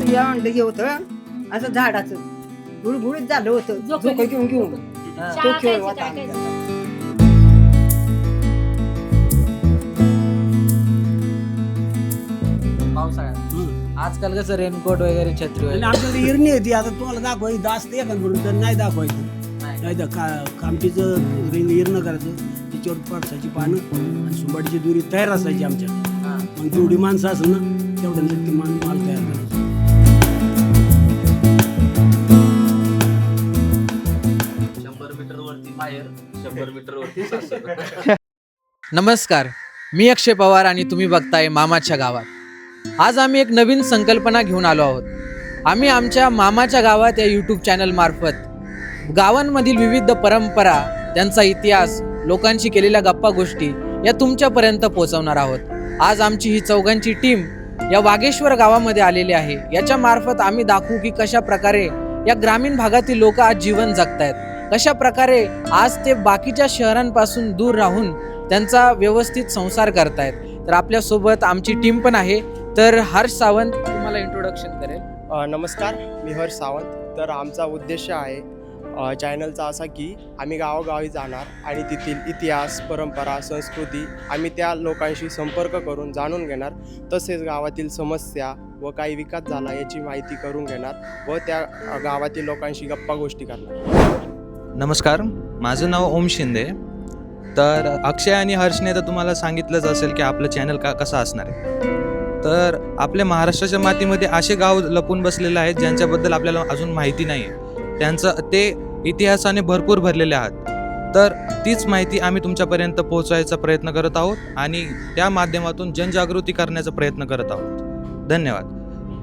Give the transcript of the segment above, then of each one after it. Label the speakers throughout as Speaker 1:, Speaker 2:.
Speaker 1: असं या म्हणलं हे होतं असं झाडाचं गुळगुळीत झालं होतं झोकं घेऊन घेऊन तो खेळ होता आमचा.
Speaker 2: पावसाळ्यात आजकाल कसं रेनकोट वगैरे छत्री
Speaker 3: आणि
Speaker 2: वगैरे
Speaker 3: आपल्याला हिरणी होती आता तुम्हाला दाखवायची दास्त एखाद म्हणून तर नाही दाखवायचं. नाही तर कामटीचं हिरणं करायचं त्याच्यावर पडसाची पानं आणि सुंबाडीची दुरी तयार असायची आमच्या.
Speaker 2: हा.
Speaker 3: मग जेवढी माणसं असेल ना तेवढं नक्की माल तयार करायचं.
Speaker 4: 100 मीटर वरती माहेर 100 मीटर वरती सासर.
Speaker 2: नमस्कार, मी अक्षय पवार आणि तुम्ही बघताय मामाच्या गावात. आज आम्ही एक नवीन संकल्पना घेऊन आलो आहोत. आम्ही आमच्या मामाच्या गावात या यूट्यूब चॅनल मार्फत गावांमधील विविध परंपरा, त्यांचा इतिहास, लोकांशी केलेल्या गप्पा गोष्टी या तुमच्यापर्यंत पोहोचवणार आहोत. आज आमची ही चौघांची टीम या वागेश्वर गावामध्ये आलेली आहे. याच्या मार्फत आम्ही दाखवू की कशा प्रकारे या ग्रामीण भागातील लोक आज जीवन जगतायत, कशा प्रकारे आज ते बाकीच्या शहरांपासून दूर राहून त्यांचा व्यवस्थित संसार करतायत. तर आपल्यासोबत आमची टीम पण आहे. तर हर्ष सावंत तुम्हाला इंट्रोडक्शन करेल.
Speaker 5: नमस्कार, मी हर्ष सावंत. तर आमचा उद्देश आहे चॅनलचा असा की आम्ही गावोगावी जाणार आणि तेथील इतिहास, परंपरा, संस्कृती आम्ही त्या लोकांशी संपर्क करून जाणून घेणार. तसेच गावातील समस्या व काही विकास झाला याची माहिती करून घेणार व त्या गावातील लोकांशी गप्पा गोष्टी करणार.
Speaker 6: नमस्कार, माझं नाव ओम शिंदे. तर अक्षय आणि हर्षने तर तुम्हाला सांगितलंच असेल की आपलं चॅनल कसं असणार आहे. तर आपल्या महाराष्ट्राच्या मातीमध्ये असे गाव लपून बसलेले आहेत ज्यांच्याबद्दल आपल्याला अजून माहिती नाही आहे. ते इतिहासाने भरपूर भरलेले आहात. तर तीच माहिती आम्ही तुमच्यापर्यंत पोहोचवायचा प्रयत्न करत आहोत आणि त्या माध्यमातून जनजागृती करण्याचा प्रयत्न करत आहोत. धन्यवाद.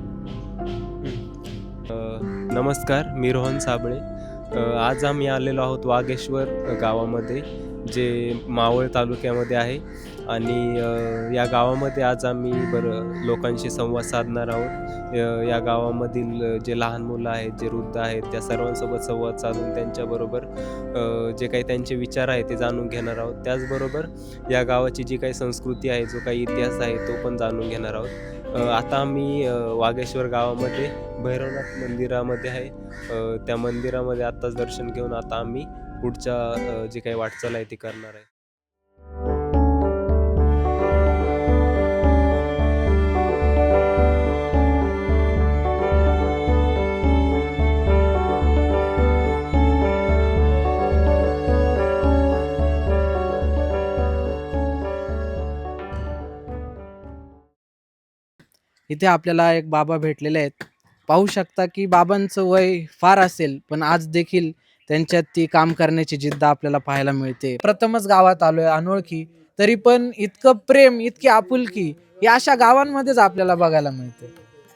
Speaker 7: नमस्कार, मी रोहन साबळे. आज आम्ही आलेलो आहोत वागेश्वर गावामध्ये, जे मावळ तालुक्यामध्ये आहे. आणि या गावामध्ये आज आम्ही लोकांशी संवाद साधणार आहोत. या गावामधील जे लहान मुलं आहेत, जे वृद्ध आहेत, त्या सर्वांसोबत संवाद साधून त्यांच्याबरोबर जे काही त्यांचे विचार आहे ते जाणून घेणार आहोत. त्याचबरोबर या गावाची जी काही संस्कृती आहे, जो काही इतिहास आहे तो पण जाणून घेणार आहोत. आता आम्ही वागेश्वर गावामध्ये भैरवनाथ मंदिरामध्ये आहे. त्या मंदिरामध्ये आत्ताच दर्शन घेऊन आता आम्ही पुढच्या जे काही वाटचाल आहे ती करणार आहे.
Speaker 2: इथे आपल्याला एक बाबा भेटलेले आहेत. पाहू शकता की बाबांचं वय फार असेल, पण आज देखील त्यांच्यात ती काम करण्याची जिद्द आपल्याला पाहायला मिळते. प्रथमच गावात आलोय अनोळखी, तरी पण इतकं प्रेम, इतकी आपुलकी या अशा गावांमध्येच आपल्याला बघायला मिळते.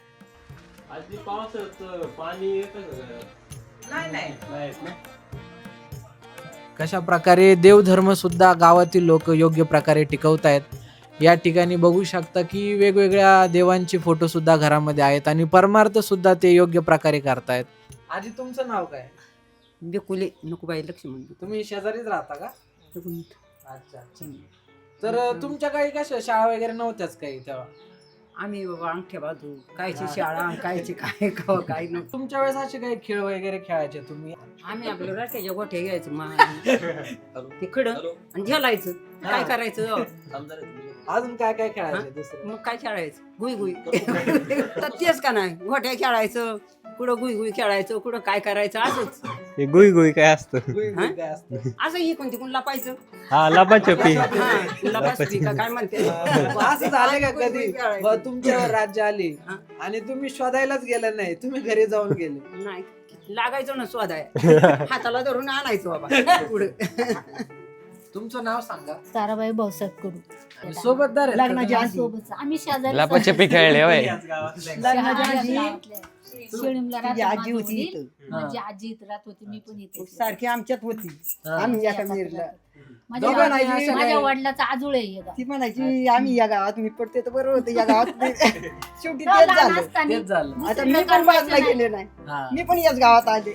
Speaker 2: कशा प्रकारे देवधर्म सुद्धा गावातील लोक योग्य प्रकारे टिकवतायत. या ठिकाणी बघू शकता की वेगवेगळ्या देवांचे फोटो सुद्धा घरामध्ये आहेत आणि परमार्थ सुद्धा ते योग्य प्रकारे करतायत. आजी, तुमचं नाव काय?
Speaker 1: बेकुले नकोबाई लक्ष्मण.
Speaker 2: तुम्ही शेजारीच राहता का? अच्छा अच्छा. तर तुमच्या काही कशा शाळा वगैरे नव्हत्याच काही तेव्हा?
Speaker 1: आम्ही बाबा अंगठ्या बाजू कायची शाळा कायची काय काय नव्हतं.
Speaker 2: तुमच्या वेळेस असे काही खेळ वगैरे खेळायचे तुम्ही?
Speaker 1: आम्ही आपलं राख्याच्या गोठ्या घ्यायचं ते खडं आणि झेलायचं. काय करायचं
Speaker 2: अजून काय काय खेळायचे दुसरं?
Speaker 1: मग काय खेळायचं गुई गुई तर तेच का नाही गोठ्या खेळायचं, कुठं गुई गुई खेळायचं, कुठं काय करायचं असंच.
Speaker 7: हे गुई गुई काय असतं?
Speaker 2: काय असतं?
Speaker 1: असं इकडून तिकडून लपायचं.
Speaker 7: हा, लपाछपी.
Speaker 1: लपाछपी का काय म्हणते.
Speaker 2: असं झालं का कधी तुमच्यावर राज्य आली आणि तुम्ही शोधायलाच गेलं नाही, तुम्ही घरी जाऊन गेले?
Speaker 1: नाही, लागायचं ना स्वादाय हाताला धरून आणायचो बाबा पुढे.
Speaker 2: तुमचं नाव सांगा.
Speaker 8: ताराबाई भाऊसाहेब करू.
Speaker 2: सोबतदार आहेत का?
Speaker 1: लग्नाच्या आधी.
Speaker 8: सोबत आम्ही शेजारी
Speaker 7: लपाछपी खेळले होय.
Speaker 1: लग्नाच्या आधी
Speaker 8: शिळीमला
Speaker 1: माझी आजी होती
Speaker 8: राहत
Speaker 1: इथं.
Speaker 8: माझी आजी इथं राहत होती, मी पण इथे
Speaker 1: सारखी आमच्यात होती. आम्ही एका मिरला
Speaker 2: दोघं नाही,
Speaker 8: माझ्या माझ्या वडिलाचा आजोळ आहे हे गाव.
Speaker 1: ती म्हणायची आम्ही या गावात मी पडते तर बरोबर होतं या गावात शेवटी
Speaker 8: तेव्हा
Speaker 1: तेच
Speaker 8: लहान
Speaker 1: झालं.
Speaker 8: असताना
Speaker 2: तेच झालं.
Speaker 1: आता मी पण बाजूला गेले नाही,
Speaker 2: हा.
Speaker 1: मी पण याच गावात आले.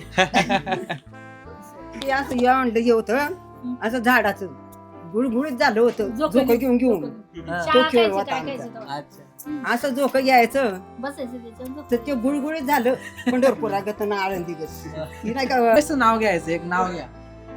Speaker 1: ते असं या म्हणलं हे होतं असं झाडाचं गुळगुळीत झालं होतं
Speaker 8: झोकं
Speaker 1: झोकं घेऊन घेऊन
Speaker 8: चहा
Speaker 1: तो खेळ
Speaker 8: खायची,
Speaker 1: होता
Speaker 8: काय
Speaker 1: आमचा.
Speaker 8: खायचं तेव्हा.
Speaker 2: अच्छा.
Speaker 1: असं झोकं घ्यायचं
Speaker 8: बसायचं त्याच्यावर
Speaker 1: तर ते गुळगुळीत झालं पंढरपुरागत ना आळंदी ती नाही का
Speaker 2: कसं नाव घ्यायचं एक नाव घ्या.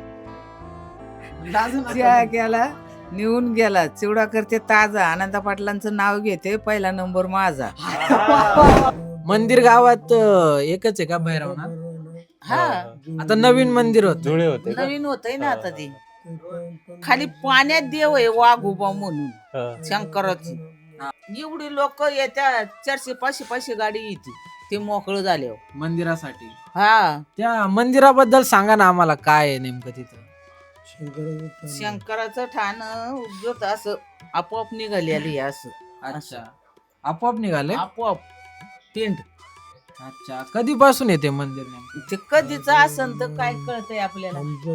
Speaker 2: अजून
Speaker 9: त्या गेला निघून गेला चिवडा करते ताजा आनंदा पाटलांचं नाव घेते पहिला नंबर माझा.
Speaker 2: मंदिर गावात एकच आहे का भैरवनाथ?
Speaker 9: हा
Speaker 2: आता नवीन मंदिर होत.
Speaker 7: जुळे होते का?
Speaker 9: नवीन होतय ना आता ते खाली पाण्यात देव आहे वाघ उभा म्हणून
Speaker 7: हा.
Speaker 9: शंकराची. एवढी लोक येत्या 400-500 गाडी येते ते मोकळं झाल्यावर.
Speaker 2: मंदिरासाठी
Speaker 9: हा
Speaker 2: त्या मंदिराबद्दल सांगा ना आम्हाला, काय आहे नेमकं तिथं?
Speaker 9: शंकराचं ठाण उगत असं आपोआप निघालेली असं
Speaker 2: अच्छा, आपोआप निघाले.
Speaker 9: आपोआप पिंड.
Speaker 2: अच्छा, कधीपासून येते मंदिर नेमकं?
Speaker 9: ते कधीच असन तर काय कळतंय आपल्याला.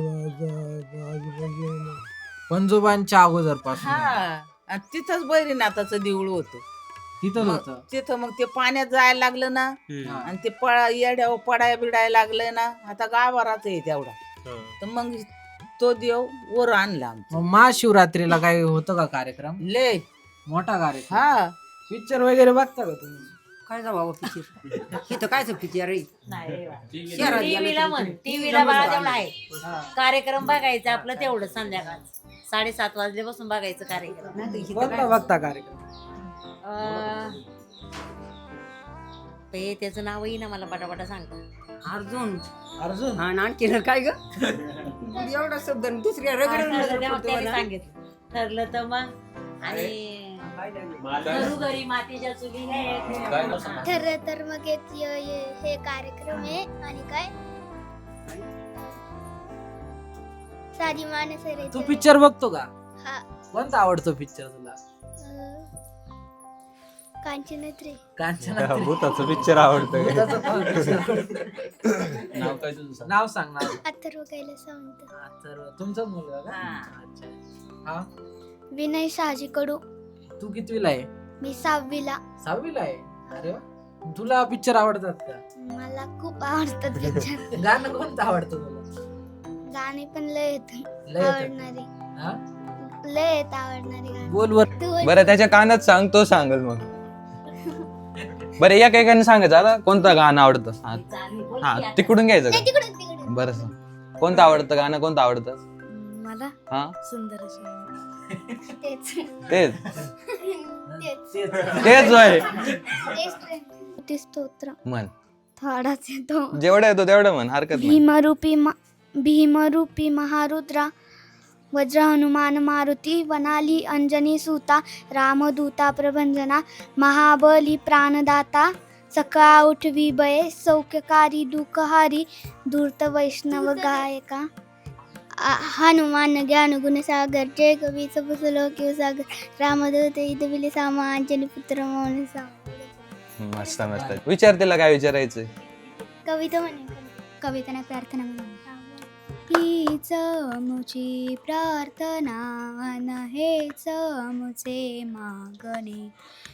Speaker 2: पंजोबांच्या अगोदर पासून
Speaker 9: हा आणि तिथंच बैरीनाथाचं देऊळ होतं.
Speaker 2: तिथंच
Speaker 9: मग
Speaker 2: होतं.
Speaker 9: तिथं मग ते पाण्यात जायला लागलं ना
Speaker 2: हा.
Speaker 9: आणि ते येड्यावर पडाया बिडायला लागलं ना आता गावाराच आहे तेवढा. तर मग तो देव वर आणला आमचा.
Speaker 2: मग महाशिवरात्रीला काय होतं का कार्यक्रम?
Speaker 9: लय
Speaker 2: मोठा कार्यक्रम.
Speaker 9: हा
Speaker 2: पिक्चर वगैरे बघता का तुम्ही?
Speaker 1: काय जावं पिक्चर इथं कायच पिक्चर रे शहरात गेलं
Speaker 8: टीव्हीला
Speaker 1: तरी
Speaker 8: म्हण
Speaker 1: ते-
Speaker 8: टीव्हीला बघा तेवढं आहे
Speaker 2: हा.
Speaker 8: कार्यक्रम बघायचा आपलं तेवढं संध्याकाळ 7:30 वाजल्यापासून बघायचं कार्यक्रम.
Speaker 1: नाही तर इथं
Speaker 2: कोणता
Speaker 1: काय-
Speaker 2: बघता कार्यक्रम?
Speaker 8: ते त्याचं नावही ना मला पटापटा सांगता.
Speaker 1: अर्जुन
Speaker 2: अर्जुन.
Speaker 1: हा आणखी काय ग एवढा शब्द आणि दुसऱ्या
Speaker 8: ठरलं तेव्हा
Speaker 1: रगड
Speaker 8: त्याने सांगितलं ठरलं तर मग आणि घरोघरी मातीच्या चुली हे
Speaker 4: काय नाव सांगा?
Speaker 10: ठरलं तर मग हे कार्यक्रम आहे आणि काय सारी माणसं
Speaker 2: तू पिक्चर बघतो का?
Speaker 10: हा
Speaker 2: कोणता आवडतो पिक्चर तुला?
Speaker 10: कांचनत्रे
Speaker 2: कांचना.
Speaker 7: भूताचं पिक्चर आवडतं का?
Speaker 4: नाव काय तुझं?
Speaker 2: नाव सांग ना.
Speaker 10: अथर्व कैलास सावंत
Speaker 2: तर तुमचा मुलगा का?
Speaker 8: हा.
Speaker 2: अच्छा. हा,
Speaker 10: विनय शहाजी कडू
Speaker 2: तू कितवीला आहे?
Speaker 10: मी 6वीला
Speaker 2: 6वीला आहे. अरे वा. तुला पिक्चर आवडतात का?
Speaker 10: मला खूप आवडतात पिक्चर
Speaker 2: गाणं कोणतं आवडतं तुला?
Speaker 10: गाणे पण लय येत
Speaker 2: लय येतं.
Speaker 10: आवडणारे
Speaker 2: हा?
Speaker 10: लय येत आवडणारे गाणे
Speaker 2: बोल वर.
Speaker 10: तू बोल.
Speaker 6: बरं त्याच्या कानात सांग, तो सांगल मग. बरं या काही सांगायचं आता कोणतं गाणं आवडतं? हा तिकडून घ्यायचं
Speaker 10: नाही,
Speaker 6: का?
Speaker 10: तिकडून तिकडून
Speaker 6: बरं सांग. कोणतं आवडतं गाणं, कोणतं आवडतं?
Speaker 10: मला
Speaker 6: हा
Speaker 10: सुंदर तेच
Speaker 6: तेच
Speaker 10: तेच
Speaker 6: तेच होय.
Speaker 10: ते स्तोत्र
Speaker 6: म्हण,
Speaker 10: थोडाच येतो
Speaker 6: जेवढं येतो तेवढं म्हण, हरकत नाही.
Speaker 10: भीमरूपी महारुद्रा वज्र हनुमान मारुती वनाली अंजनी सुता रामदूता प्रभंजना महाबली प्राणदाता सका उठवी बये सौख्यकारी दुःखहारी धूर्त वैष्णव गायका हनुमान ज्ञान गुणसागर जय कवी सबसलो किंव सागर रामदूत इदविले सामा अंजनी पुत्र मोहन सागर.
Speaker 6: मस्त मस्त. विचार तिला काय विचारायचंय?
Speaker 10: कविता म्हणे कविता नाही प्रार्थना म्हणे हीच मुची प्रार्थना अन हेच मुचे मागणे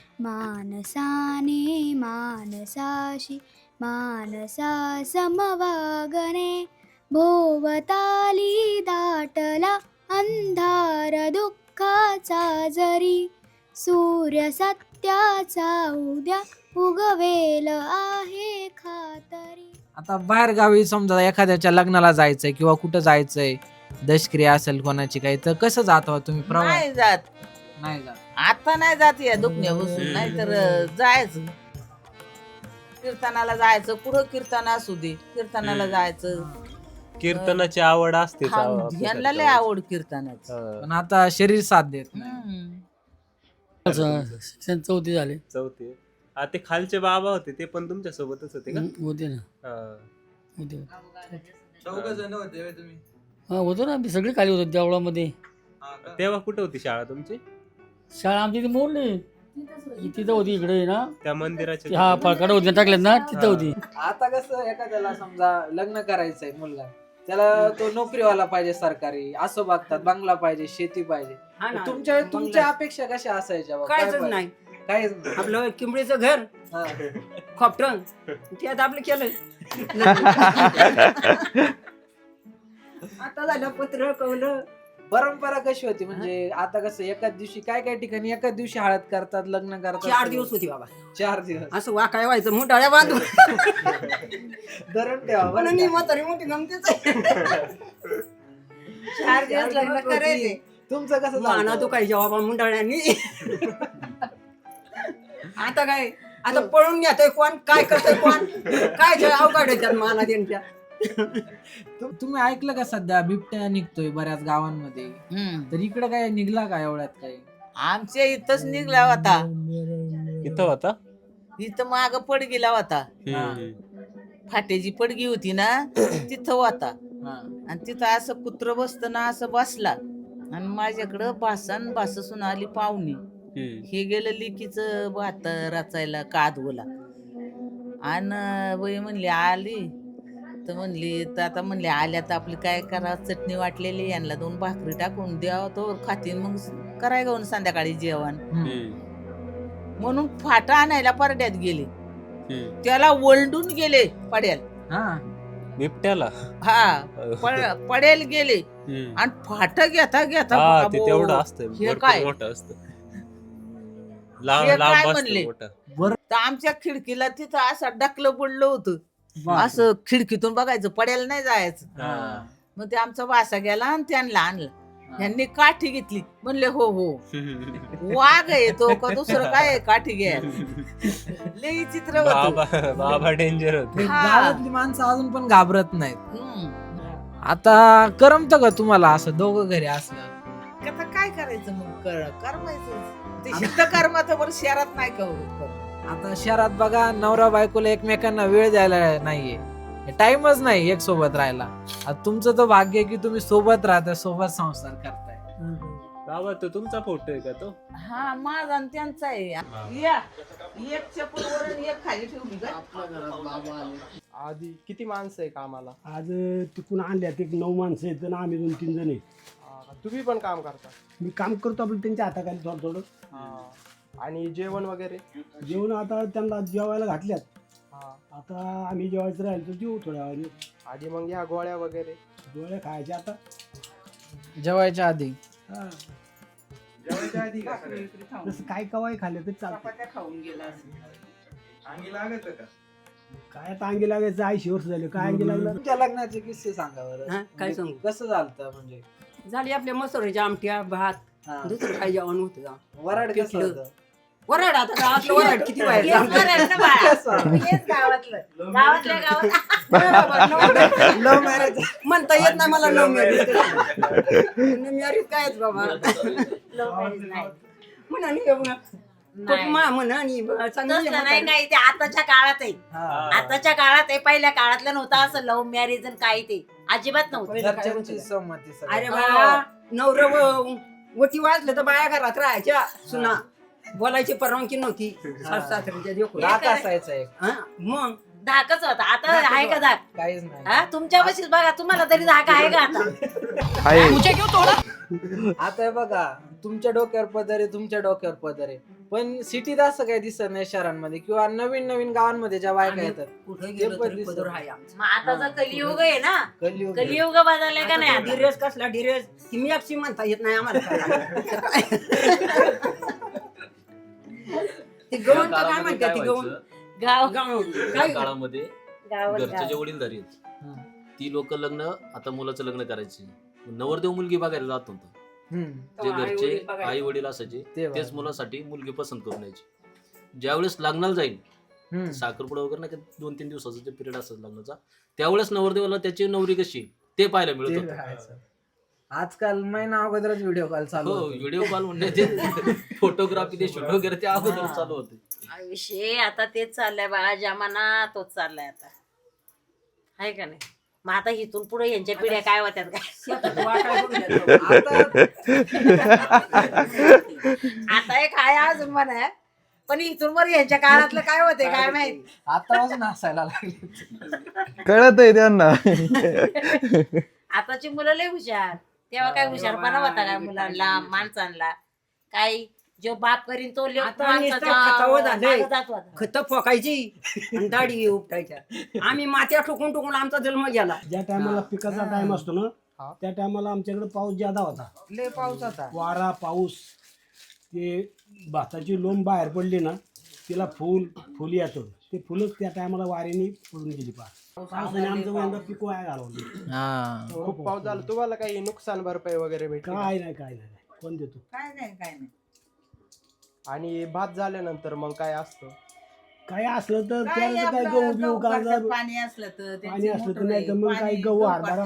Speaker 10: मानसाने मानसाशी मानसा समवागणे भोवताली दाटला अंधार दुःखाचा जरी सूर्य सत्याचा उद्या उगवेल आहे खातरी.
Speaker 2: आता बाहेर गावी समजा एखाद्याच्या लग्नाला जायचंय किंवा कुठं जायचंय, दशक्रिया असेल कोणाची काही, तर कसं जाता तुम्ही? प्रवास
Speaker 9: नाही जात
Speaker 2: नाही जात.
Speaker 9: आता नाही जात या दुखण्या बसून नाही तर जायचं कीर्तनाला जायचं कुठं कीर्तन असू दे कीर्तनाला जायचं.
Speaker 7: कीर्तनाची आवड असते
Speaker 9: ह्यांना लय आवड कीर्तनाची.
Speaker 2: पण आता शरीर साथ देत नाही.
Speaker 3: शिक्षण 4थी झाले
Speaker 7: चौथी. ते खालचे बाबा होते ते पण तुमच्या सोबतच होते का?
Speaker 3: होते ना
Speaker 7: हा.
Speaker 3: होते
Speaker 6: जण होते तुम्ही?
Speaker 3: हा होतो ना आम्ही सगळे खाली होतो देवळामध्ये.
Speaker 7: तेव्हा कुठे होती शाळा तुमची?
Speaker 3: शाळा आमची इथे मोडली तिथं होती इकडे ना
Speaker 7: त्या मंदिराच्या
Speaker 3: हा फळकडे होते टाकल्यात ना तिथं होती.
Speaker 2: आता कसं एखाद्याला समजा लग्न करायचंय मुलगा, त्याला तो नोकरीवाला पाहिजे सरकारी असं बघतात, बंगला पाहिजे, शेती पाहिजे.
Speaker 1: हा ना.
Speaker 2: तुमच्या अपेक्षा कशा असायच्या बा?
Speaker 1: कायच
Speaker 2: काय पाहिजे?
Speaker 1: नाही
Speaker 2: काहीच नाही.
Speaker 1: आपलं किंबळीचं घर
Speaker 2: हा.
Speaker 1: खोपटण त्यात आपलं केलं आता झालं पत्र कवलं
Speaker 2: परंपरा कशी होती म्हणजे आता कसं एकाच दिवशी काय ठिकाणी एकाच दिवशी हळद करतात, लग्न करतात.
Speaker 1: 4 दिवस होती बाबा.
Speaker 2: 4 दिवस
Speaker 1: असं वाकाय व्हायचं मुंडाळ्या बांधून.
Speaker 2: धरण ठेवा बरं
Speaker 1: पण
Speaker 2: का?
Speaker 1: मी म्हातारी मोठी गमतीच आहे.
Speaker 9: 4 दिवस लग्न करायचे.
Speaker 2: तुमचं कसं
Speaker 1: माना
Speaker 2: झालं?
Speaker 1: दुखायच्या बाबा मुंडाळ्यांनी. आता काय, आता पळून घेतोय कोण, काय करतोय कोण, काय जे अवघड आहे त्यात माना त्यांच्या.
Speaker 2: तुम्ही ऐकलं का सध्या बिबट्या निघतोय बऱ्याच गावांमध्ये, तर इकडे काय निघला का एवढ्यात काय?
Speaker 9: आमच्या इथंच निघला होता.
Speaker 7: इथं होता
Speaker 9: इथं माग पडगीला होता. फाट्याची पडगी होती ना तिथं होता. आणि तिथं असं कुत्र बसत ना असं बसला आणि माझ्याकडं बासून आली पाहुणी. हे गेलं लिकीचं भात रचायला कादवला आणि बाई म्हणली आली तर म्हणली तर आता म्हणले आल्या तर आपली काय करा, चटणी वाटलेली यांना 2 भाकरी टाकून द्यावं तो खातीन मग कराय गाऊन संध्याकाळी जेवण. म्हणून फाटा आणायला परड्यात गेले. त्याला ओलडून गेले पड्याला.
Speaker 7: बिबट्याला
Speaker 9: पडेल गेले आणि फाट घेता घेता
Speaker 7: ते तेवढं असतं,
Speaker 9: हे
Speaker 7: भरपूर
Speaker 9: काय?
Speaker 7: मोठं असतं,
Speaker 9: हे
Speaker 7: लांब
Speaker 9: काय
Speaker 7: लांब
Speaker 9: म्हणले?
Speaker 7: असतं मोठं.
Speaker 9: तर आमच्या खिडकीला तिथं असं डकलं पडलं होतं. असं खिडकीतून बघायचं, पड्याला नाही जायचं. मग ते आमचा वासा गेला आणि त्यांना आणला. यांनी काठी घेतली. म्हणले हो हो वाघ आहे तो का दुसरं काय आहे, काठी घ्या. लई चित्र होतं.
Speaker 7: बाबा डेंजर होते.
Speaker 2: गावातली माणसं अजून पण घाबरत नाहीत. आता करमत का तुम्हाला असं दोघं घरी असलं?
Speaker 9: आता काय करायचं मग, करमायचं ते शिद्ध कर्माचं बरं, शहरात नाही करू.
Speaker 2: आता शहरात बघा नवरा बायकोला एकमेकांना वेळ द्यायला नाहीये, टाइमच नाही एक सोबत राहायला. आता तुमचं तर भाग्य आहे की तुम्ही सोबत राहताय, सोबत संसार करताय.
Speaker 7: बाबा तो तुमचा फोटो आहे का तो?
Speaker 9: हा माझा आणि त्यांचा आहे. या एक चप्पल वर आणि एक खाली ठेवली का?
Speaker 5: आधी किती माणसं आहे कामाला?
Speaker 3: आज तिकून आणल्यात एक 9 माणसं आहेत आणि आम्ही 2-3 जण आहे.
Speaker 5: तुम्ही पण काम करता?
Speaker 3: मी काम करतो आपलं त्यांच्या हाताखाली थोडं.
Speaker 5: आणि जेवण वगैरे?
Speaker 3: जेवण आता त्यांना जेवायला घातल्यात. आता आम्ही जेवायचं राहिलं तर जेवू थोड्या वेळाने.
Speaker 5: आणि मग या गोळ्या वगैरे?
Speaker 3: गोळ्या खायच्या आता
Speaker 2: जेवायच्या आधी.
Speaker 5: जेवायच्या आधी
Speaker 3: जसं काय कवाय खाल्लं तर चालतं.
Speaker 9: चपात्या खाऊन गेला.
Speaker 5: अंगी लागत का?
Speaker 3: काय आता अंगी लागायचं, 80 वर्ष झाले, काय अंगी लागलं.
Speaker 2: तुमच्या लग्नाचे किस्से सांगा बरं.
Speaker 1: हा, काय सांगू?
Speaker 2: कसं झालं म्हणजे?
Speaker 1: झाली आपल्या मसुराच्या आमट्या भात, दुसरं काय जेवण होतं का?
Speaker 2: वराड कसं
Speaker 1: पिठलं.
Speaker 2: होतं?
Speaker 1: वराड आता गावातलं वराड किती व्हायचं आमचं?
Speaker 8: गावातल्या गावात
Speaker 2: लव्ह मॅरेज
Speaker 1: म्हणता येत नाही मला लव्ह मॅरेज. मॅरेज कायच बाबा म्हणा
Speaker 8: तसं नाही काही, ते आताच्या काळात आहे. आताच्या काळात आहे, पहिल्या काळातलं नव्हतं असं लव्ह मॅरेज आणि काही ते अजिबात नव्हतं.
Speaker 2: घरच्यांची संमती सगळी.
Speaker 1: अरे बाळा, नवरं वटी वाजलं तर बाया घरात राहायच्या, सुना बोलायची परवानगी नव्हती. सासऱ्यांच्या देखून
Speaker 2: राग असायचा एक.
Speaker 1: मग
Speaker 8: धाकच होता. आता आहे का धाक?
Speaker 2: काहीच नाही.
Speaker 8: हा तुमच्या पाशीच बघा, तुम्हाला तरी धाक आहे का आता?
Speaker 2: आता हे बघा, तुमच्या डोक्यावर पदर आहे, तुमच्या डोक्यावर पदर आहे, पण सिटीत असं काही दिसत नाही शहरांमध्ये किंवा नवीन नवीन गावांमध्ये ज्या बायका येतात
Speaker 1: कुठे
Speaker 2: ते
Speaker 1: गेलो
Speaker 2: पण
Speaker 1: तरी
Speaker 2: दिसत.
Speaker 1: पदर आहे आमचा.
Speaker 8: मग आता कलियुग आहे ना,
Speaker 2: कलियुग.
Speaker 8: कलियुग बदललाय का नाही आता?
Speaker 1: डिरेस कसला डिरेस ती मी अक्षी म्हणता येत नाही आम्हाला. ती गवण तर काय म्हणते ती गवण
Speaker 8: गाव
Speaker 4: त्या काळामध्ये
Speaker 8: गावात
Speaker 4: घरचे जे वडीलधारी आहेत ती लोक लग्न, आता मुलाचं लग्न करायचे, नवरदेव मुलगी बघायला जात होता. जे घरचे आई वडील असायचे तेच मुलासाठी मुलगी पसंत करून यायची. ज्यावेळेस लग्नाला जाईल, साखरपुडा वगैरे नाही, 2-3 दिवसाचा पिरियड असायचा लग्नाचा, त्यावेळेस नवरदेवाला त्याची नवरी कशी ते पाहायला मिळत होतं.
Speaker 2: आजकाल महिना अगोदरच व्हिडिओ कॉल चालू
Speaker 4: हो,
Speaker 2: होतो.
Speaker 4: व्हिडिओ कॉल म्हणजे ते फोटोग्राफी, ते शूट वगैरे ते अगोदर चालू होते.
Speaker 8: विषय आता तेच चाललंय बाळा, जमाना तोच चाललाय आता, आहे का नाही? मग आता इथून पुढे यांच्या पिढ्या काय होत्यात काय? आता एक आहे अजून म्हणा, पण इथून वर यांच्या काळातलं काय होते काय माहिती.
Speaker 2: आतापासून हसायला लागले,
Speaker 6: कळत आहे त्यांना.
Speaker 8: आताची मुलं लय हुशार, तेव्हा काय हुशारपणा होता काय मुलांना, माणसांना? काय जो बाप करीन तो
Speaker 1: खत फोकायची आणि दाढी उपटायच्या. आम्ही मात्या ठोकून ठोकून आमचा जन्म गेला.
Speaker 3: ज्या टायमाला पिकाचा टाइम असतो ना त्या टायमाला आमच्याकडे पाऊस ज्यादा होता,
Speaker 2: लय पाऊस होता.
Speaker 3: वारा पाऊस, ते भाताची लोंब बाहेर पडली ना तिला फुल येतं, ते फुलच त्या टायमाला वाऱ्याने पडून गेली. पावसाने आमचं यंदा पीक वाया घालवलं.
Speaker 5: खूप पाऊस झाला. तुम्हाला काही नुकसान भरपाई वगैरे भेटली?
Speaker 3: काय नाही कोण देतो.
Speaker 9: काय नाही
Speaker 5: आणि भात झाल्यानंतर मग काय असतं?
Speaker 3: काय असलं तर त्याला काय गहू बिहू काढतात,
Speaker 9: पाणी असलं तर
Speaker 3: पाणी असलं तर नाही तर मग काही गहू हरभरा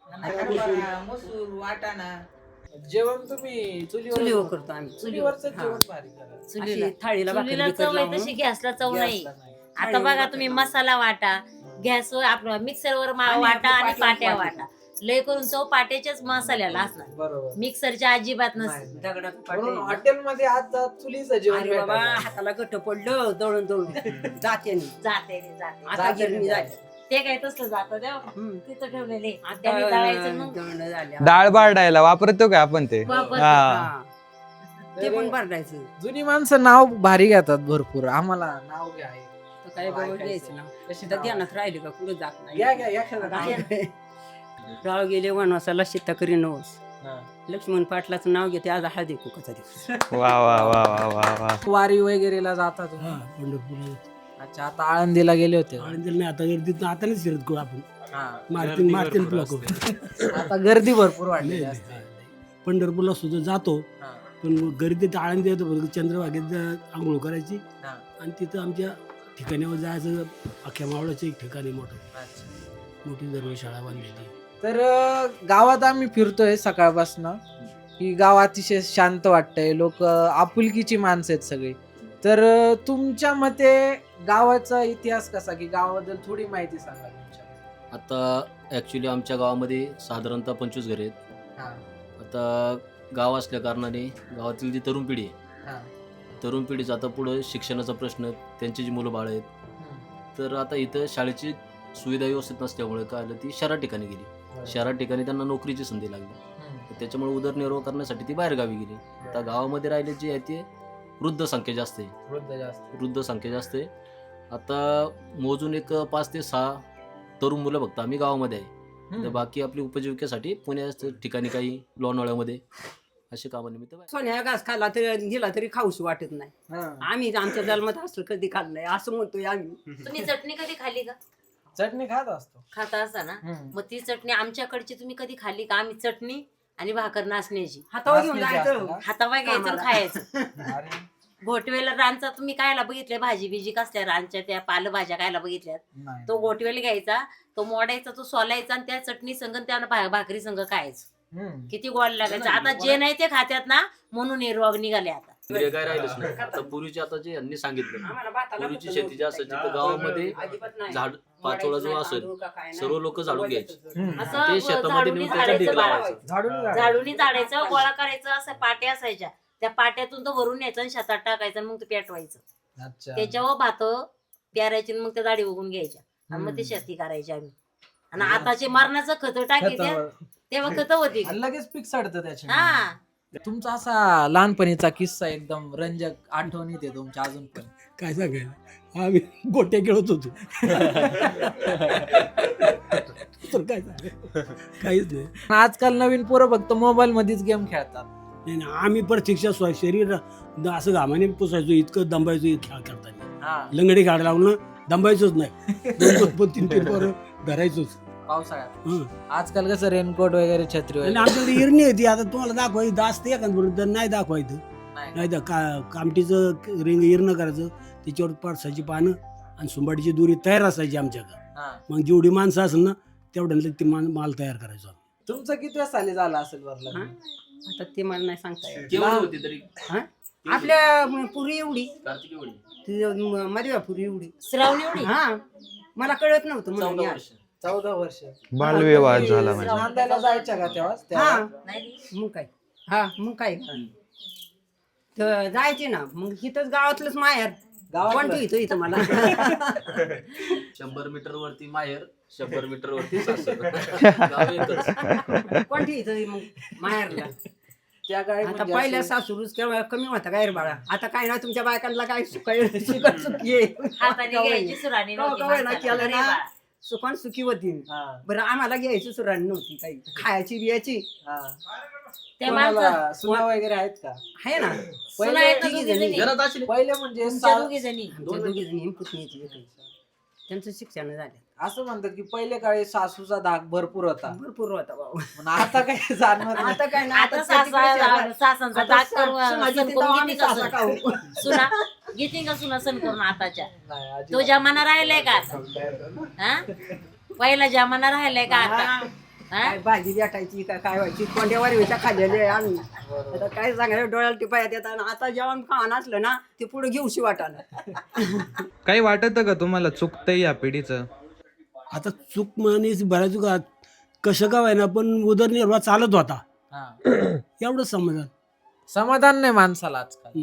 Speaker 9: मसूर वाटाणा.
Speaker 2: जेवण तुम्ही
Speaker 1: चुलीवर करतो आम्ही.
Speaker 2: चुलीवरचं
Speaker 1: हा.
Speaker 2: जेवण भारी करा.
Speaker 8: चुलीला
Speaker 1: अशी थाळीला भाकरी
Speaker 8: चुलीला
Speaker 1: बिकर
Speaker 8: चव आहे
Speaker 1: लावून.
Speaker 8: तशी गॅसला चव नाही.
Speaker 2: गॅसला नाही.
Speaker 8: आता बघा तुम्ही मसाला वाटा, गॅसवर आपलं मिक्सरवर वाटा आणि पाट्या वाटा. लय करून चव पाट्याच्याच मसाल्याला असणार,
Speaker 2: बरोबर.
Speaker 8: मिक्सरच्या अजिबात नसते.
Speaker 1: दगडात
Speaker 2: म्हणून
Speaker 1: पाटे.
Speaker 2: हॉटेलमध्ये आज चुलीचं जेवण
Speaker 1: अरे बाबा
Speaker 2: भेटायचं.
Speaker 1: हाताला गट पडलं दळून जाते
Speaker 8: जाते
Speaker 1: आता गिरणी जाते.
Speaker 8: ते काय तसलं जातं देव
Speaker 1: हम्म.
Speaker 8: तिथं ठेवलेले
Speaker 1: आता
Speaker 8: त्यांनी दळायचं मग
Speaker 1: दळणं झाले.
Speaker 6: डाळ बारडायला वापरतो का आपण ते?
Speaker 8: वापरतो.
Speaker 6: हा.
Speaker 1: हा. ते पण भरडायचं.
Speaker 2: जुनी माणसं नाव भारी घेतात भरपूर. आम्हाला नाव घ्या आहे.
Speaker 1: तर काय बघून घ्यायचं ना.
Speaker 2: कशी
Speaker 1: तर
Speaker 2: नाव?
Speaker 1: ध्यानात राहिले का पुढे जात नाही.
Speaker 2: घ्या एखादं नाव.
Speaker 1: राव गेले वनवासाला सीता करी नवस.
Speaker 2: हा.
Speaker 1: लक्ष्मण पाटलाचं नाव घेते आज हळदी कुकाचा दिवस.
Speaker 6: वा वा वा वा वा वा.
Speaker 2: वारी वगैरेला जाता तुम्ही?
Speaker 3: हा पंढरपूर
Speaker 2: अच्छा, आता आळंदीला गेले होते.
Speaker 3: आळंदीला नाही, आता गर्दीत आता नाही शिरत करू आपण.
Speaker 2: हा.
Speaker 3: मारतीन तुला करू.
Speaker 2: आता गर्दी भरपूर वाढली
Speaker 3: नाही,
Speaker 2: असते.
Speaker 3: नाही. पंढरपूरला सुद्धा जातो,
Speaker 2: हा.
Speaker 3: पण गर्दीत आळंदी येतो. चंद्रभागेत आंघोळ करायची
Speaker 2: हा.
Speaker 3: आणि तिथं आमच्या ठिकाणावर जायचं. अख्ख्या मावळाचं एक ठिकाण आहे मोठं,
Speaker 2: अच्छा.
Speaker 3: मोठी धर्मशाळा बांधलेली.
Speaker 2: तर गावात आम्ही फिरतोय सकाळपासून की गाव अतिशय शांत वाटतंय. लोक आपुलकीची माणसं आहेत सगळी. तर तुमच्या मते गावाचा इतिहास कसा, की गावाबद्दल थोडी माहिती सांगा तुमच्या.
Speaker 4: आता ऍक्च्युली आमच्या गावामध्ये साधारणतः 25 घरे आहेत.
Speaker 2: हा.
Speaker 4: आता गाव असल्या कारणाने गावातील जी तरुण पिढी आहे,
Speaker 2: हा.
Speaker 4: तरुण पिढीचा आता पुढं शिक्षणाचा प्रश्न, त्यांची जी मुलं बाळं आहेत,
Speaker 2: हम्म.
Speaker 4: तर आता इथं शाळेची सुविधा व्यवस्थित नसल्यामुळे काय आलं, ती शहरात ठिकाणी गेली. शहरात ठिकाणी त्यांना नोकरीची संधी लागली.
Speaker 2: हम्म.
Speaker 4: तर त्याच्यामुळे उदरनिर्वाह करण्यासाठी ती बाहेर गावी गेली. आता गावामध्ये राहिले जे आहे ते वृद्ध संख्या जास्त आहे.
Speaker 2: वृद्ध जास्त.
Speaker 4: वृद्ध संख्या जास्त आहे. आता मोजून एक 5 ते 6 तरुण मुलं फक्त आम्ही गावामध्ये आहे. तर
Speaker 2: हम्म.
Speaker 4: बाकी आपली उपजीविकेसाठी पुण्याच्या ठिकाणी काही लोणावळ्यामध्ये असे कामानिमित्त बाहेर.
Speaker 1: सोन्या घास खाल्ला तरी दिला तरी खाऊशी वाटत नाही.
Speaker 2: हा.
Speaker 1: आम्ही आमच्या जन्मात असं कधी खाल्लंय असं म्हणतोय आम्ही.
Speaker 8: तुम्ही चटणी कधी खाल्ली का?
Speaker 2: चटणी खात असतो.
Speaker 8: खाता असा ना,
Speaker 2: हम्म.
Speaker 8: मग ती चटणी आमच्याकडची तुम्ही कधी खाल्ली का? आम्ही चटणी आणि भाकर नाचण्याची
Speaker 1: हातावर घेऊन
Speaker 2: नाचण्याची
Speaker 1: जायचं.
Speaker 2: असते
Speaker 8: हातावा घ्यायचं आणि
Speaker 1: कामाला.
Speaker 8: खायचं.
Speaker 2: अरे
Speaker 8: घोटवेला रानचा तुम्ही कायला बघितल्या, भाजी बिजी कसल्या रानच्या त्या पालेभाज्या कायला बघितल्यात?
Speaker 2: नाही.
Speaker 8: तो घोटवेला घ्यायचा, तो मोडायचा, तो सोलायचा आणि त्या चटणी संग त्या भाकरी संग खायचं.
Speaker 2: हम्म.
Speaker 8: किती गोड लागायचं. आता जे नाही ते खात्यात ना, म्हणून हे रोग निघाले आता.
Speaker 4: इंद्रिय काय राहिलंच नाही. आता पूर्वीची, आता जे यांनी सांगितलं,
Speaker 1: आम्हाला भाताला
Speaker 4: पूर्वीची
Speaker 1: कुठं
Speaker 4: शेती जी असायची
Speaker 1: नव्हतं.
Speaker 4: तर गावामध्ये
Speaker 1: अजिबात नाही.
Speaker 4: झाड पाचोळा जो
Speaker 1: मोडायचं
Speaker 4: असेल
Speaker 1: नाही, तांदूळ का काय
Speaker 4: सर्व
Speaker 1: नाही.
Speaker 4: लोक झाडून घ्यायचे.
Speaker 2: हम्म.
Speaker 8: असं
Speaker 4: ते शेतामध्ये
Speaker 8: झाडूनी
Speaker 4: नेऊन त्याच्या
Speaker 8: झाडायचं
Speaker 4: ढीग
Speaker 8: बाळा.
Speaker 4: लावायचं.
Speaker 2: झाडून
Speaker 8: झाडूनी झाडायचं, गोळा करायचं, असं पाट्या असायच्या, त्या पाट्यातून तो भरून न्यायचं आणि शेतात टाकायचं आणि मग ते पेटवायचं.
Speaker 2: अच्छा.
Speaker 8: त्याच्यावर भात प्यारायची आणि मग त्या दाढी उगून घ्यायच्या आणि मग ते शेती करायची आम्ही. आणि आताचे मरणाचं खत टाकी
Speaker 2: खतावर.
Speaker 8: तेव्हा खत होती.
Speaker 2: आणि लगेच पीक सडतं त्याच्या.
Speaker 8: हा,
Speaker 2: तुमचा असा लहानपणीचा किस्सा एकदम रंजक आठवणीत आहे तुमच्या अजून पण.
Speaker 3: काय सांगायचं, आम्ही गोट्या खेळत होतो. तर काय सांगायचं, काहीच नाही.
Speaker 2: आजकाल नवीन पोरं फक्त मोबाईल मध्येच गेम खेळतात.
Speaker 3: नाही, नाही, आम्ही प्रत्यक्ष शरीर असं घामाने पुसायचो, इतकं दंबायचो खेळ करताना.
Speaker 2: हा.
Speaker 3: लंगडी काढ लावून दंबायचोच नाही. 2-3 पोरं धरायचोच.
Speaker 2: पावसाळ्यात
Speaker 3: हं.
Speaker 2: आजकाल कसं रेनकोट वगैरे छत्री
Speaker 3: आणि
Speaker 2: वगैरे.
Speaker 3: आमच्याकडे इरणी होती. आता तुम्हाला दाखवायची दास ते एखाद तर नाही दाखवायचं.
Speaker 2: नाही.
Speaker 3: नाही तर कामटीचं रिंग इरणं करायचं, त्याच्यावर पळसाची पानं आणि सुंबाडीची दोरी तयार असायची आमच्याकडे.
Speaker 2: हा.
Speaker 3: मग जेवढी माणसं असेल ना तेवढ्या ते माल तयार करायचो आम्ही.
Speaker 2: तुमचं किती साली झालं असेल बरं लग्न?
Speaker 1: आता ते मला नाही सांगता येत.
Speaker 4: केवढी होती तरी?
Speaker 1: हा? आपल्या पुरी एवढी,
Speaker 4: कार्तिकी एवढी?
Speaker 1: ती मधव्या पुरी एवढी.
Speaker 8: श्रावणी एवढी.
Speaker 1: हा, मला कळत नव्हतं
Speaker 4: 14
Speaker 1: म्हणून.
Speaker 4: वर्ष.
Speaker 2: 14 वर्ष.
Speaker 6: बालविवाह
Speaker 2: तुम्ही
Speaker 6: झाला म्हणजे.
Speaker 2: नांदायला जायच्या का तेव्हा?
Speaker 1: हा,
Speaker 8: नाही
Speaker 1: मग काय. हा, मग काय. तर जायचे ना, मग इथंच गावातलंच माहेर.
Speaker 2: गावातलं?
Speaker 1: कोण ठेवतो इथं मला.
Speaker 4: 100 मीटर वरती माहेर, 100 मीटर वरती सासर. गाव एकच.
Speaker 1: कोण ठेवतो मग माहेरला.
Speaker 2: त्या काळी
Speaker 1: आता
Speaker 2: म्हणजे
Speaker 1: पहिल्या
Speaker 2: अशी-
Speaker 1: सासूरूच केव्हा कमी होता काय रे बाळा. आता काय ना तुमच्या बायकांना काय सुकाय सुकी आहे.
Speaker 8: हाताने घ्यायची सुराणी नव्हती
Speaker 1: कवा ना
Speaker 8: माणसाला.
Speaker 1: केलं
Speaker 8: अरे
Speaker 1: ना,
Speaker 8: बाळा.
Speaker 1: सुखान सुखी होती. बरं आम्हाला घ्यायची सुराण नव्हती काही, खायची बियाची
Speaker 8: त्या माणसं
Speaker 2: सुना वगैरे आहेत का?
Speaker 1: आहे ना.
Speaker 8: सुना आहेत ना
Speaker 1: तिघी
Speaker 8: दोघी
Speaker 1: जणी.
Speaker 8: जणी.
Speaker 4: घरात असले
Speaker 2: पहिले म्हणजे
Speaker 8: तुमच्या दोघी जणी
Speaker 1: आमच्या दोघी जणी पुतणीची एक आहे. त्यांचं शिक्षण झालं
Speaker 2: असं म्हणतात की पहिले काळी सासूचा धाक भरपूर होता,
Speaker 1: भरपूर होता बाबा.
Speaker 2: पण आता काही जाणवत नाही.
Speaker 1: आता काय ना,
Speaker 8: आता सासांचा
Speaker 1: आता
Speaker 8: दाग करून
Speaker 1: सुनाची
Speaker 8: सण
Speaker 1: तिथं
Speaker 8: करून
Speaker 1: आम्ही
Speaker 8: घेते का
Speaker 1: सासा
Speaker 8: सण?
Speaker 1: खाऊ.
Speaker 8: सुना घेते का सुना सण करून आताच्या?
Speaker 2: नाही, अजिबात.
Speaker 8: तो जमाना राहिलाय का आता? हा? पहिला जमाना राहिलाय का आता? हा?
Speaker 1: काय भाजी भेटायची काय व्हायची, कोंड्यावर व्हायच्या खाल्लेले आहे आम्ही. आता काय सांगायचं, डोळ्याला टिपायात येतात. आता जेवण खावं असलं ना ते पुढे घेऊशी वाटायला.
Speaker 6: काही वाटतं का तुम्हाला चुकतंय या पिढीचं?
Speaker 3: आता चूक मानेच बऱ्याच का कसं का व्हायना पण उदरनिर्वाह चालत होता.
Speaker 2: हा.
Speaker 3: एवढंच समाधान.
Speaker 2: समाधान नाही माणसाला आजकाल.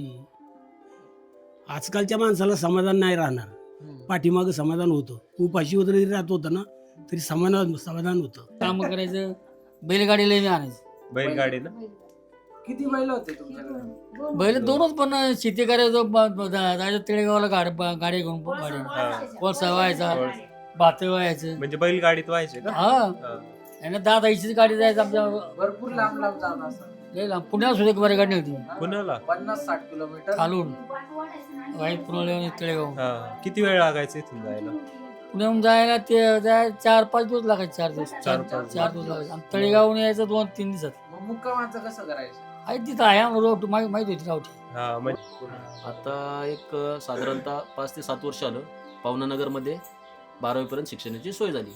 Speaker 3: आजकालच्या माणसाला समाधान नाही राहणार. पाठीमागं समाधान होतं, उपाशी वगैरे राहत होतं ना तरी समाधान होतं.
Speaker 11: काम करायचं, बैलगाडीला आणायचं.
Speaker 7: बैलगाडी ना
Speaker 2: किती बैल होते तुमच्याकडे?
Speaker 11: बैल दोनच, पण शेती करायचं जायचं तिळेगावला गाडी घेऊन कोळसा व्हायचा, भात व्हायचं.
Speaker 7: म्हणजे बैलगाडीत व्हायचे का?
Speaker 11: हा, आणि दादाईचीच गाडी जायचं आमच्या
Speaker 2: भरपूर लांब लांब जात असं.
Speaker 11: लय लांब. पुण्याला सुद्धा एक बरी गाडी होती
Speaker 7: पुण्याला
Speaker 2: 50-60 किलोमीटर
Speaker 11: खालून वाईट पुण्याला तिळेगाव.
Speaker 7: हा. किती वेळ लागायचा इथून जायला?
Speaker 11: पुण्याहून जायला ते 4-5 दिवस लागायचे. 4 दिवस 4 दिवस लागायचे. आणि तळेगावून यायचं 2-3 दिवसात.
Speaker 2: मग मुक्कामाचं कसं करायचं?
Speaker 11: आहे तिथं आहे रोड माहिती होती रावठी.
Speaker 7: हा म्हणजे
Speaker 4: आता एक साधारणतः 5 ते 7 वर्ष आलं पावनानगरमध्ये 12वी पर्यंत शिक्षणाची सोय झाली.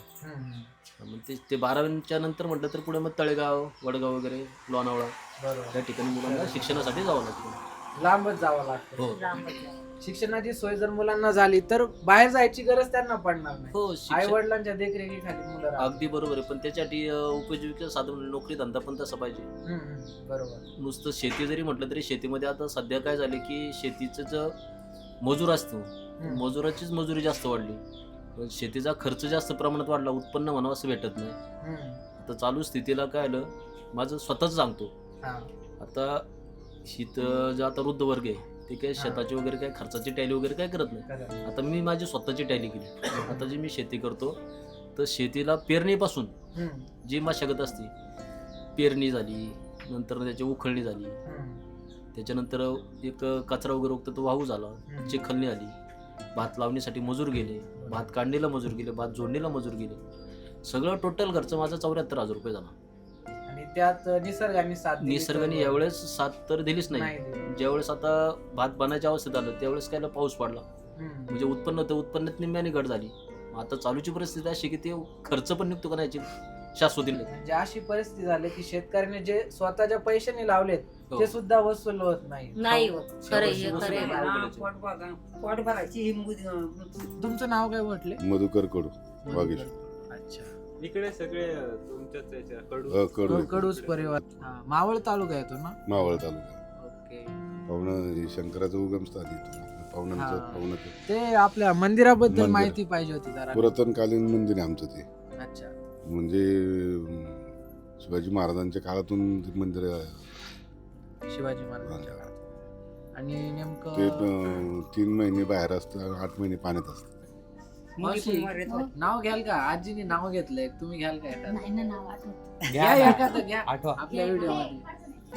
Speaker 4: मग ते 12वीच्या नंतर म्हटलं तर पुढे मग तळेगाव, वडगाव वगैरे, लोणावळा या ठिकाणी मुलांना शिक्षणासाठी जावं लागतं.
Speaker 2: लांबच जावं लागतं.
Speaker 4: हो
Speaker 2: शिक्षणाची सोय जर मुलांना झाली तर बाहेर जायची गरज त्यांना पडणार नाही.
Speaker 4: हो
Speaker 2: आई
Speaker 4: शिक्षण
Speaker 2: वडिलांच्या देखरेखीखाली मुलं राहतात.
Speaker 4: अगदी बरोबर आहे, पण त्याच्यासाठी उपजीविका साधन नोकरी धंदा पण तसा पाहिजे.
Speaker 2: बरोबर.
Speaker 4: नुसतं शेती जरी म्हटलं तरी शेतीमध्ये आता सध्या काय झाले की शेतीचं जो मजूर असतो मजुराचीच मजुरी जास्त वाढली, पण शेतीचा खर्च जास्त प्रमाणात वाढला, उत्पन्न म्हणावं असं भेटत नाही. आता चालू स्थितीला काय आलं, माझं स्वतःच सांगतो. आता शीत जो आता वृद्ध वर्ग आहे ते काही शेताची वगैरे काय खर्चाची टॅली वगैरे काय करत नाही. आता मी माझी स्वतःची टॅली केली. आता जी मी शेती करतो तर शेतीला पेरणीपासून जी मशागत असते, पेरणी झाली, नंतर त्याची उखळणी झाली, त्याच्यानंतर एक कचरा वगैरे उगतो तो वाहू झाला, चिखलणी आली, भात लावणीसाठी मजूर गेले, भात काढणीला मजूर गेले, भात जोडणीला मजूर गेले, सगळं टोटल खर्च माझा 74,000 रुपये झाला.
Speaker 2: आणि त्यात निसर्गाने साथ दिली तर-
Speaker 4: निसर्गाने यावेळेस साथ तर दिलीच नाही. ज्यावेळेस आता भात बनायच्या अवस्थेत आलं त्यावेळेस काय पाऊस पडला, म्हणजे उत्पन्न होतं, उत्पन्नात निम्म्याने घट झाली. आता चालूची परिस्थिती अशी की ते खर्च पण निघतो का नाही याची शाश्वती नाही.
Speaker 2: म्हणजे अशी परिस्थिती झाली की शेतकऱ्याने जे स्वतःच्या पैशाने लावलेत ते सुद्धा वसूल होत नाही.
Speaker 8: नाही होत. खरं आहे, खरं आहे.
Speaker 1: हा, पोट भरायची
Speaker 2: तुमचं नाव काय म्हटले?
Speaker 12: मधुकर कडू वागेश्वर.
Speaker 2: अच्छा.
Speaker 7: इकडे सगळे तुमच्याच याच्या कडू
Speaker 12: कडू
Speaker 2: कडूच परिवार. मावळ तालुका येतो ना?
Speaker 12: मावळ तालुका.
Speaker 2: ओके.
Speaker 12: पाहुणं शंकराचं उगमस्थान इथून पाहुणं
Speaker 2: ते आपल्या मंदिराबद्दल
Speaker 12: मंदिर.
Speaker 2: माहिती पाहिजे होती जरा.
Speaker 12: पुरातनकालीन मंदिर आहे आमचं ते.
Speaker 2: अच्छा.
Speaker 12: म्हणजे शिवाजी महाराजांच्या काळातून ते मंदिर
Speaker 2: शिवाजी महाराजांच्या काळात. आणि
Speaker 12: ते
Speaker 2: नेमकं
Speaker 12: 3 महिने बाहेर असतं, 8 महिने पाण्यात असतं.
Speaker 2: मावशी, नाव घ्याल का? आजीने नाव घेतलंय, तुम्ही घ्याल का एखादं?
Speaker 10: नाही ना नाव आठवत.
Speaker 2: घ्या एखादं, घ्या
Speaker 6: आठवा.
Speaker 2: आपल्या व्हिडिओ मध्ये.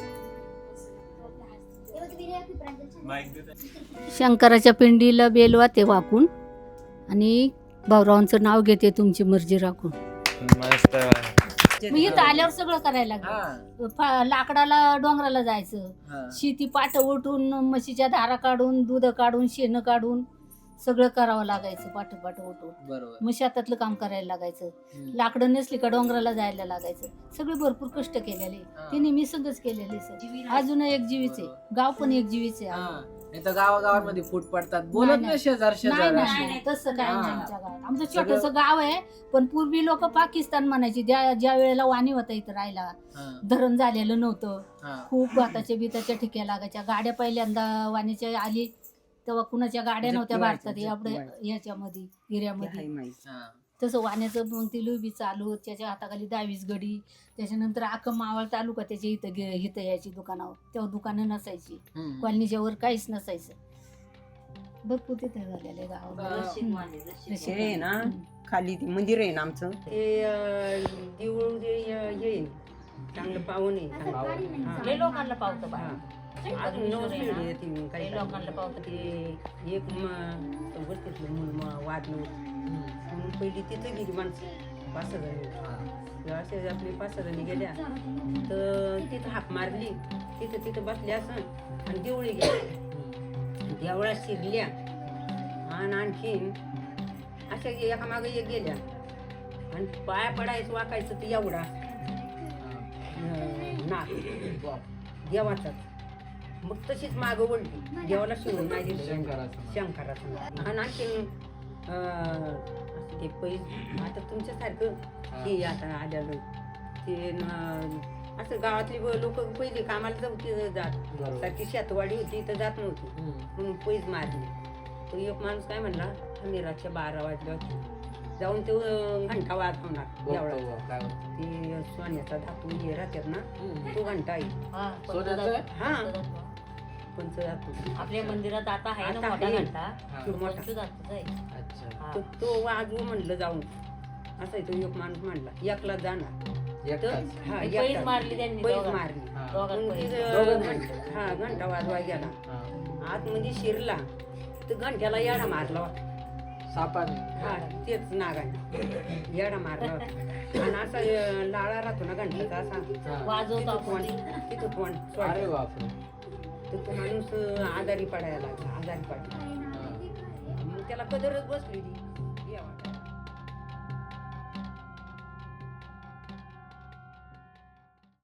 Speaker 13: शंकराच्या पिंडीला बेलवा ते वाकून आणि भाऊरावांचं नाव घेते, तुमची मर्जी राखून.
Speaker 6: मस्त.
Speaker 13: मी इथं आल्यावर सगळं करायला लागलं. लाकडाला डोंगराला जायचं, शेती पाट उठून, म्हशीच्या धारा काढून, दूध काढून, शेण काढून सगळं करावं लागायचं. पाठ उठून
Speaker 2: बरोबर.
Speaker 13: मग शेतातलं काम करायला लागायचं. लाकडं नसली का डोंगराला जायला लागायचं. सगळे भरपूर कष्ट केलेले, ते नेहमी संगच केलेले. सर अजून एक जीवीच आहे, गाव पण एक जीवीच आहे.
Speaker 2: नाही तर गावागावांमध्ये फूट पडतात, बोलत नाही शेजार शेजार.
Speaker 13: नाही, तसं काय नाही आमच्या गावात. आमचं छोटस गाव आहे, पण पूर्वी लोक पाकिस्तान म्हणायची. ज्या वेळेला वाणी होता इथं राहायला, धरण झालेलं नव्हतं, खूप भाताच्या बिताच्या ठिक्या लागायच्या. गाड्या पहिल्यांदा वाणीच्या आली तेव्हा कुणाच्या गाड्या नव्हत्या भारतात याच्यामध्ये एरियामध्ये. तसं वाण्याचं मग ती लुबी चालू, त्याच्या हाताखाली 22 गडी. त्याच्यानंतर अख्खं मावळ तालुका त्याच्या इथं यायची दुकानावर. तेव्हा दुकानं नसायची, कॉलनीच्या वर काहीच नसायचं. भरपूर तिथे झालेले गावामध्ये
Speaker 1: हे आहे ना खाली ते मंदिर आहे ना आमचं ते देऊळ जे हे आहे चांगलं पाहून आहे
Speaker 8: लय लोकांना पावतं बा
Speaker 1: अजून नवस पिढी येते
Speaker 8: लय
Speaker 1: काही
Speaker 8: लोकांना पावतं
Speaker 1: ते एक गोष्टीतलं मूल वाद नव्हतं म्हणून पहिली तिथं गेली माणसं 5 जणी असे आपली 5 जणी गेल्या तर तिथं हाक मारली तिथं बसल्या असं आणि देवळी गेल्या देवळात शिरल्या आणि आणखीन अशा एकामागे एक गेल्या आणि पाया पडायचं वाकायचं ते एवढा नाक देवाचाच मग तशीच मागं वळली देवाला शिवून नाही दिलं शंकराचं आणि आणखीन असं ते पैसे आता तुमच्यासारखं हे आता आलेलं ते असं गावातली लोक पहिले कामाला जात सारखी शेतवाडी होती तर जात नव्हती म्हणून पैज मारली तर एक माणूस काय म्हणला आम्ही रातच्या 12 वाजल्या होती जाऊन ते घंटा वाजवणार एवढा ते सोन्याचा धातू हे राहतात ना तो घंटा आहे हा पंचधातू
Speaker 8: आपल्या मंदिरात आता आहे ना मोठा घंटा पंचधातूचा आहे.
Speaker 1: तो वाजवू म्हणलं जाऊन असं तो एक माणूस म्हणला एकला जाणार
Speaker 8: पैज मारली त्यांनी
Speaker 1: पैज मारली हा घंटा वाजवा गेला आतमध्ये शिरला तर घंट्याला येडा मारला होता
Speaker 2: सापाने
Speaker 1: हा तेच नागाने येडा मारला होता आणि असा लाळा राहतो ना घंटाचा असा
Speaker 8: वाजवतो
Speaker 1: तिथं तोंड
Speaker 2: अरे बापरे
Speaker 1: तर तो माणूस आजारी पडायला लागला आजारी पडला मग त्याला कदरच बसली ती